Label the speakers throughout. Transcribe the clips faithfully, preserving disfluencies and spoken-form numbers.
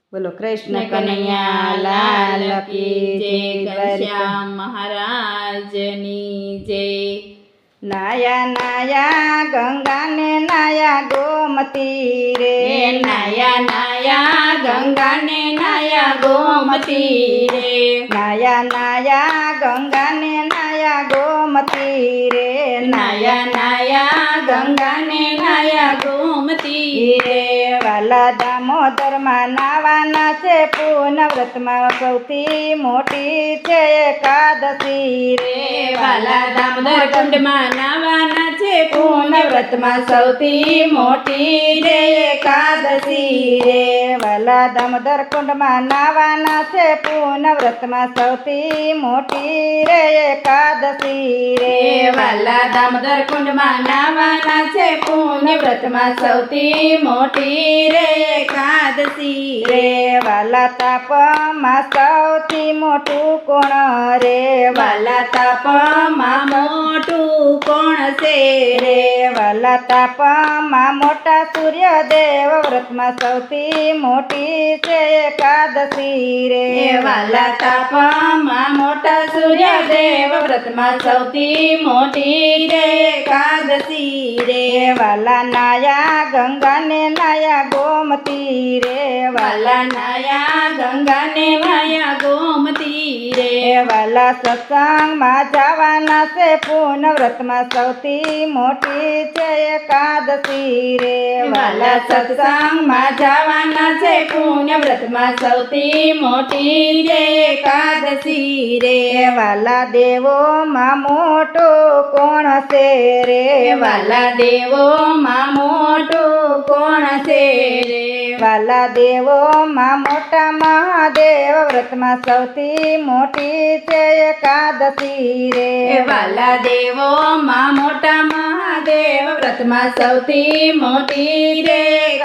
Speaker 1: બોલો કૃષ્ણ કનૈયા લાલ કી જય.
Speaker 2: ઘનશ્યામ મહારાજની જય.
Speaker 1: નાયા નાયા ગંગાને નાયા ગોમતી રે.
Speaker 2: નાયા નાયા ગંગાને નાયા ગોમતી રે.
Speaker 1: નાયા નાયા ગંગાને નાયા ગોમતી રે.
Speaker 2: નાયા નાયા ગંગાને નાયા ગોમતી રે.
Speaker 1: વાલા દામોદરમાં નાવાના છે પૂર્ણ વ્રતમાં સૌથી મોટી છે એકાદશી રે.
Speaker 2: વાલા દામોદર કુંડમાં નાવાના છે પૂર્ણ વ્રતમાં સૌથી મોટી રે એકાદશી રે.
Speaker 1: વાલા દામોદર કુંડમાં નાવાના છે પૂર્ણ વ્રતમાં સૌથી મોટી રે એકાદશી રે.
Speaker 2: વાલા દામોદર કુંડમાં નાવાના છે પુણ્ય વ્રતમાં સૌથી મોટી રે એકાદશી
Speaker 1: રે. વાલા તાપમાં સૌથી મોટું કોણ રે.
Speaker 2: વાલા તાપમાં મોટું કોણ છે રે.
Speaker 1: વાલા તાપમાં મોટા સૂર્યદેવ વ્રતમાં સૌથી મોટી છે એકાદશી રે.
Speaker 2: વાલા તાપમાં મોટા સૂર્યદેવ વ્રતમાં સૌથી મોટી રે એકાદશી રે.
Speaker 1: વાલા નાયા ગંગાને નાયા ગોમતી રે.
Speaker 2: વાલા નાયા ગંગાને નાયા ગોમતી રે.
Speaker 1: વાલા સત્સંગમાં જવાના છે પૂર્ણ વ્રતમાં સૌથી મોટી છે એકાદશી રે.
Speaker 2: વાલા સત્સંગમાં જવાના છે પુણ્ય વ્રતમાં સૌથી મોટી રે એકાદશી રે.
Speaker 1: વાલા દેવોમાં મોટો કોણ છે રે.
Speaker 2: વાલા દેવોમાં મોટું કોણ છે રે.
Speaker 1: વાલા દેવોમાં મોટા મહાદેવ વ્રતમાં સૌથી મોટી છે એકાદશી રે.
Speaker 2: વાલા દેવોમાં મોટા મહાદેવ વ્રતમાં સૌથી મોટી રે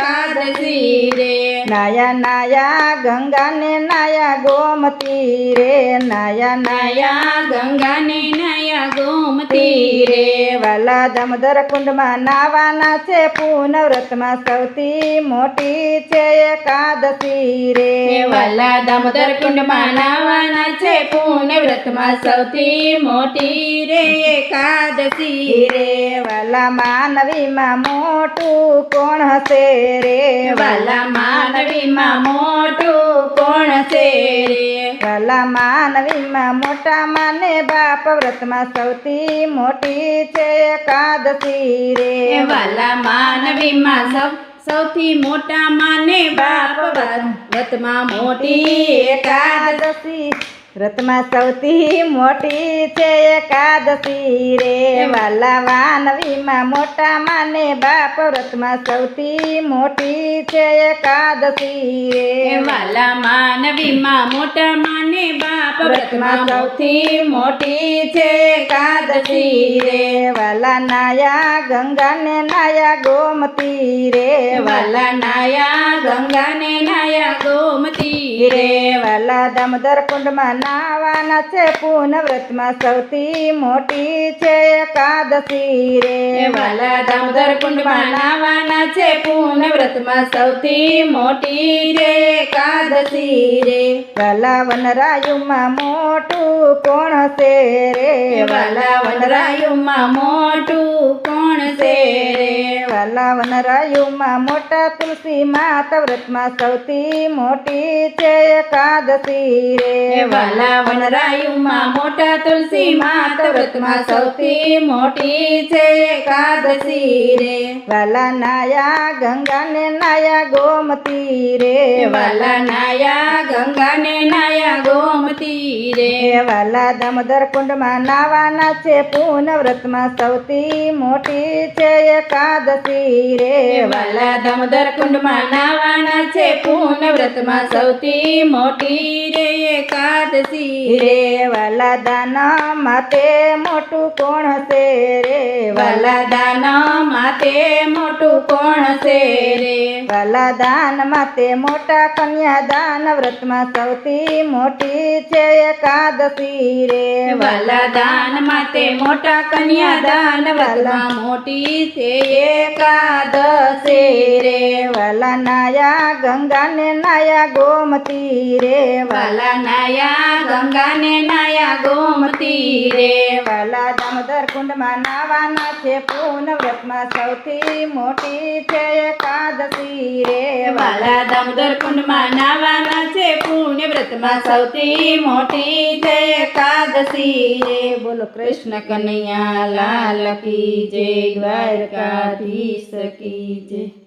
Speaker 2: એકાદશી રે.
Speaker 1: નાયા નાયા ગંગાને નાયા ગોમતી રે. નાયા
Speaker 2: નાયા ગંગાને નાયા ગોમતી રે.
Speaker 1: વાલા દામોદર કુંડમાં નાવાના છે પૂર્ણ વ્રતમાં સૌથી મોટી છે એકાદશી રે.
Speaker 2: વાલા દામોદર કુંડમાં નાવાના છે પુણ્ય વ્રતમાં સૌથી મોટી રે એકાદશી રે.
Speaker 1: વાલા માનવીમાં મોટું કોણ હશે રે.
Speaker 2: વાલા માનવીમાં મોટું કોણ છે રે.
Speaker 1: વાલા માનવીમાં મોટા માને બાપ વ્રતમાં સૌથી મોટી છે એકાદશી રે.
Speaker 2: વાલા માનવીમાં સૌ સૌથી મોટા માને બાપ વ્રતમાં મોટી
Speaker 1: એકાદશી વ્રતમાં સૌથી મોટી છે એકાદશી રે. વાલા માનવીમાં મોટા માને બાપ વ્રતમાં સૌથી મોટી છે એકાદશી રે.
Speaker 2: વાલા માનવીમાં મોટા માને બાપ વ્રતમાં સૌથી મોટી છે એકાદશી રે.
Speaker 1: વાલા નાયા ગંગાને નાયા ગોમતી રે.
Speaker 2: વાલા નાયા ગંગાને નાયા ગોમતી રે.
Speaker 1: વાલા દામોદર કુંડમાં નાવાના છે પૂર્ણ વ્રતમાં સૌથી મોટી છે એકાદશી રે.
Speaker 2: વાલા દામોદર કુંડમાં નાવાના છે પૂર્ણ વ્રતમાં સૌથી મોટી રે એકાદશી રે.
Speaker 1: વાલા વનરાયુમાં મોટું કોણ છે રે.
Speaker 2: વાલા વનરાયુમાં મોટું કોણ છે રે.
Speaker 1: વાલા વનરાયુમાં મોટા તુલસી માતા વ્રતમાં સૌથી મોટી છે એકાદશી રે.
Speaker 2: વાલા વનરાયુમાં મોટા તુલસી માતા વ્રતમાં સૌથી મોટી છે એકાદશી રે.
Speaker 1: વાલા નાયા ગંગાને નાયા ગોમતી રે.
Speaker 2: વાલા નાયા ગંગાને નાયા ગોમતી રે.
Speaker 1: વાલા દામોદર કુંડમાં નાવાના છે પૂર્ણ વ્રતમાં સૌથી મોટી છે એકાદશી રે.
Speaker 2: વાલા દામોદર કુંડમાં નાવાના છે પૂર્ણ વ્રતમાં સૌથી મોટી રે એકાદશી રે.
Speaker 1: વાલા દાન માતે મોટું કોણ છે રે.
Speaker 2: વાલા દાન માતે મોટું કોણ છે રે.
Speaker 1: વાલા દાન માતે મોટા કન્યાદાન વ્રતમાં સૌથી મોટી છે એકાદશી રે.
Speaker 2: વાલા દાન માતે મોટા કન્યાદાન વ્રતમાં મોટી છે એકાદશી રે.
Speaker 1: વાલા નાયા ગંગાને નાયા ગોમતી રે
Speaker 2: વાલા નાયા ગંગાને નાયા ગોમતી રે
Speaker 1: વાલા દામોદર કુંડમાં નાવાના છે પૂર્ણ વ્રતમાં સૌથી મોટી છે એકાદશી રે
Speaker 2: વાલા દામોદર કુંડમાં નાવાના છે પુણ્ય વ્રતમાં સૌથી મોટી છે એકાદશી રે બોલો કૃષ્ણ કનૈયા લાલ કી જય દ્વારકાધીશ કી જય.